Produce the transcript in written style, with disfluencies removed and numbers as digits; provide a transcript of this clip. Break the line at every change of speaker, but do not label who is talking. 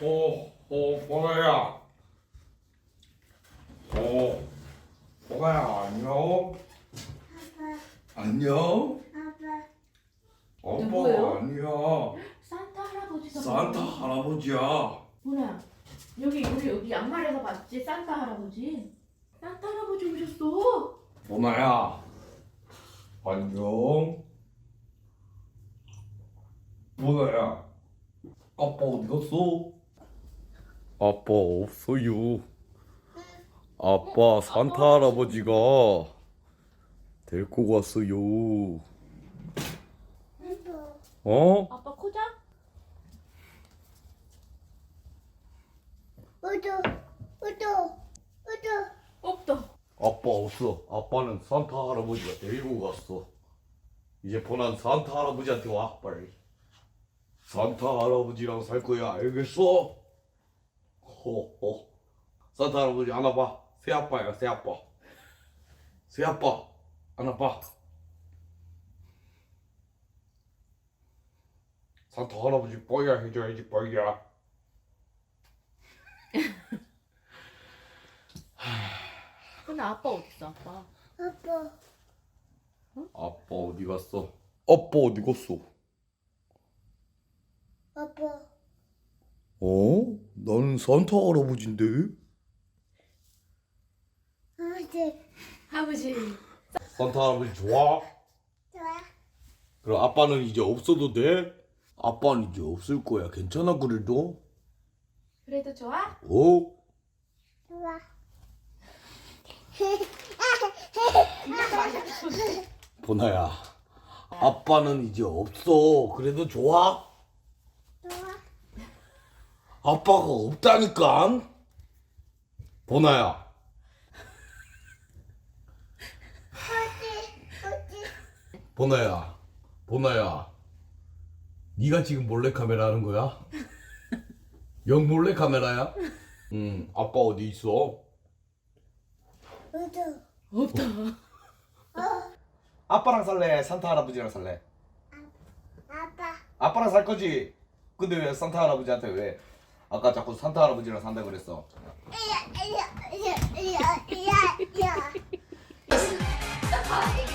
보라야. 보라야, 안녕. 안녕. 아빠
누구예요?
아니야.
산타 할아버지가
산타 할아버지야.
뭐야? 여기 양말에서 봤지? 산타 할아버지. 산타 할아버지 오셨어.
보나야. 안녕. 보나야. 아빠 어디 갔어? 아빠 없어요. 아빠 산타 할아버지가 데리고 갔어요. 어?
아빠 코자? 없다.
아빠 없어. 아빠는 산타 할아버지가 데리고 갔어. 이제 보난 산타 할아버지한테 와 빨리. 산타 할아버지랑 살 거야. 알겠어? 호호. 산타 할아버지 안아봐. 새 아빠야 새 아빠. 새 아빠 안아봐. 산타 할아버지 뻐야 해줘야지 뻐야.
근데 아빠 어딨어 아빠?
아빠 어디 갔어? 아빠 어디 갔어? 어? 나는 산타 할아버지인데?
아버지.
산타 할아버지 좋아? 그럼 아빠는 이제 없어도 돼? 아빠는 이제 없을 거야. 괜찮아 그래도?
그래도 좋아?
어? 보나야, 아빠는 이제 없어. 그래도 좋아? 아빠가 없다니까? 보나야. 보나야. 네가 지금 몰래카메라 하는 거야? 영 몰래카메라야? 응, 아빠 어디 있어?
없다.
아빠랑 살래? 산타 할아버지랑 살래? 아빠랑 살 거지? 근데 왜 산타 할아버지한테 왜? 아까 자꾸 산타 할아버지랑 산다 그랬어.
야.